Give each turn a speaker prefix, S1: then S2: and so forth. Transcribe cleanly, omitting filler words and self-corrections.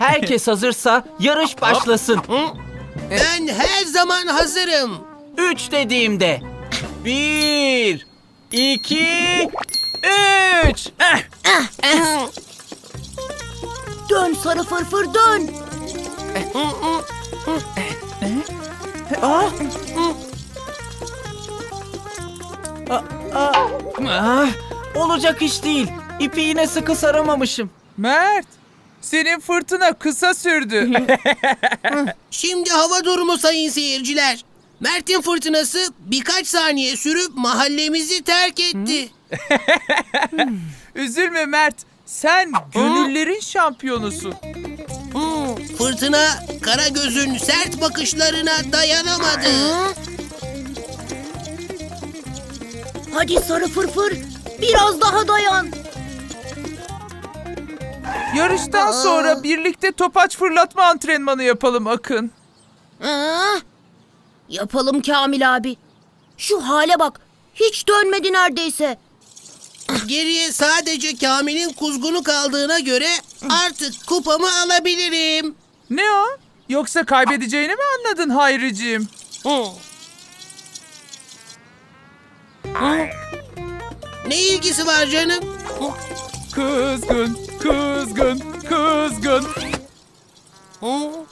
S1: Herkes hazırsa yarış başlasın.
S2: Ben her zaman hazırım.
S1: 3 dediğimde. 1, 2, 3.
S3: Dön sarı fırfır dön.
S1: Olacak iş değil. İpi yine sıkı saramamışım.
S4: Mert, senin fırtına kısa sürdü.
S2: Şimdi hava durumu sayın seyirciler. Mert'in fırtınası birkaç saniye sürüp mahallemizi terk etti.
S4: Üzülme Mert, sen gönüllerin şampiyonusun.
S2: Fırtına Karagöz'ün sert bakışlarına dayanamadı.
S3: Hadi sarı fırfır biraz daha dayan.
S4: Yarıştan sonra birlikte topaç fırlatma antrenmanı yapalım Akın.
S3: Aa, yapalım Kamil abi. Şu hale bak. Hiç dönmedi neredeyse.
S2: Geriye sadece Kamil'in kuzgunu kaldığına göre artık kupamı alabilirim.
S4: Ne o? Yoksa kaybedeceğini mi anladın Hayriciğim?
S2: Ne ilgisi var canım?
S4: Kızgın, kızgın, kızgın.